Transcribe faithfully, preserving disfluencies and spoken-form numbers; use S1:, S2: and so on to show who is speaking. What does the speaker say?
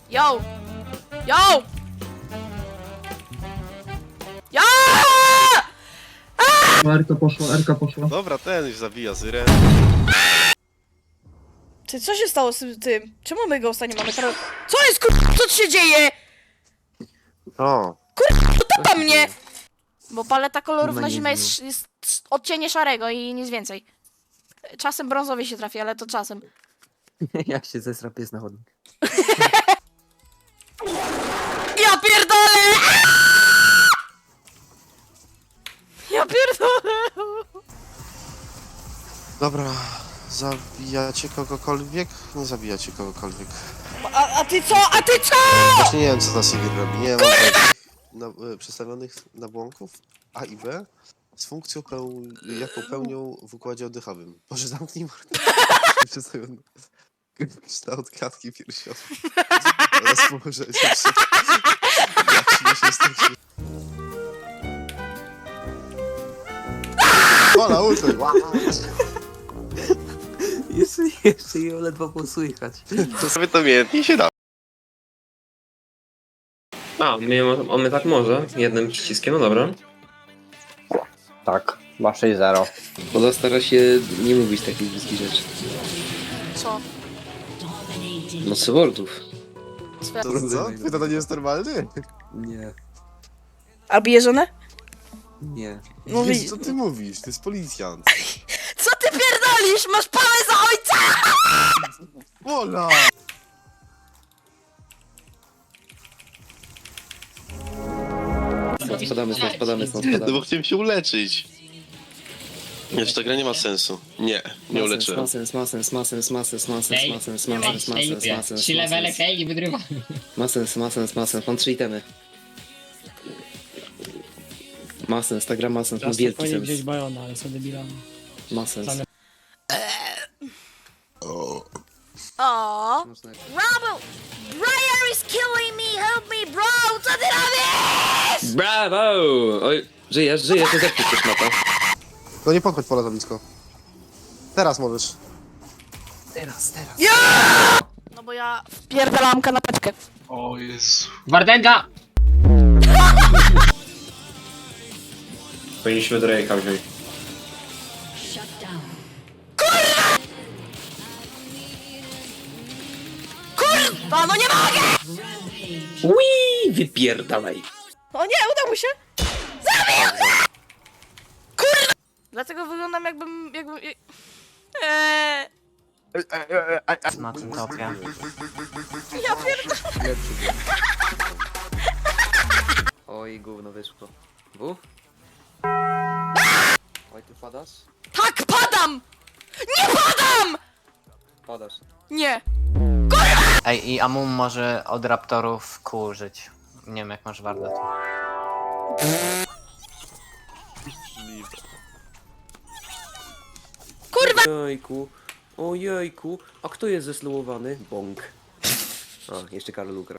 S1: Yo! Yo! Yo!
S2: Erka poszła, Erka poszła.
S3: Dobra, ten już zabija Zyrę.
S1: Ty, co się stało z tym- tym? Czemu my go nie mamy teraz? Co jest kur... Co tu się dzieje?
S3: O,
S1: Topa mnie! Bo paleta kolorów
S4: No
S1: na
S4: nie
S1: zimę
S4: wiem.
S1: jest, jest odcienie szarego i nic więcej. Czasem brązowy się trafi, ale to czasem.
S4: Jak się zesra pies na chodnik.
S1: Ja pierdolę! Ja pierdolę!
S3: dobra. Zabijacie kogokolwiek? Nie zabijacie kogokolwiek.
S1: A, a ty co? A ty co?
S3: Właśnie nie wiem, co ta Sigrid robi. Nie mam takich na, y, przedstawionych nabłonków A i B z funkcją, peł, jaką pełnią w układzie oddechowym. Boże, zamknij mordę. Przedstawiony kształt klatki piersiowej oraz położenie przed... Jak się się stać. Ola, ultuj!
S4: Jeszcze, jeszcze ją ledwo było słychać.
S3: To sobie to miętnie się da.
S5: A, mnie, mo- on mnie tak może, jednym przyciskiem, no dobra.
S6: Tak, ma sześć zero.
S5: Poza stara się nie mówić takich brzydkich rzeczy.
S1: Co?
S5: No cyborgów.
S1: Swe-
S3: To co? Ty to nie jest normalny?
S4: Nie,
S1: A bije żonę?
S4: nie.
S1: No
S3: Wiesz,
S1: wi-
S3: co ty mówisz? To jest policjant.
S1: Co ty pierdolisz? Masz pałę za ojca!
S3: Ola!
S5: Spadamy stąd, spadamy stąd,
S3: No
S5: spadamy.
S3: bo chciałem się uleczyć. Wiesz, ta gra nie ma sensu. Nie, nie uleczyłem.
S5: Ma sens, ma sens, ma sens, ma sens, ma sens, ma sens, ma sens, ma sens, ma sens,
S7: Trzy
S5: ma
S7: levele
S5: sens.
S7: kej i wygrywa.
S5: Ma sens, ma sens, ma sens, mam trzy itemy. Ma sens, ta gra ma sens, ma wielki
S8: Powinien wziąć
S5: sens.
S8: Bajona, ale są debilami.
S5: Ma sens.
S1: O, Robo! Briar is killing me! Help me, bro! Co ty robisz?
S5: Brawo! Oj, żyjesz, żyjesz, nie zepnij się szmata.
S3: No nie podchodź Pola za blisko. Teraz możesz.
S4: Teraz, teraz.
S1: No bo ja wpierdalam kanapeczkę.
S7: Wardenga!
S5: Powinniśmy Drake'a wziąć.
S1: Kurwa, no nie mogę!
S5: Ui, wypierdalaj.
S1: O nie, udało się! Zabił! Kurwa! Dlatego wyglądam jakbym... jakbym... Eee,
S6: Na tym topie.
S1: ja pierdolę.
S4: Oj, gówno wyszło. W? Oj, ty padasz?
S1: Tak, padam! Nie padam!
S4: Padasz.
S1: Nie.
S6: Ej, i Amum może od raptorów kół użyć. Nie wiem jak masz wardę.
S1: Kurwa!
S5: Ojejku, ojejku, a kto jest zeslołowany? Bąk. A, jeszcze Karol ukradł.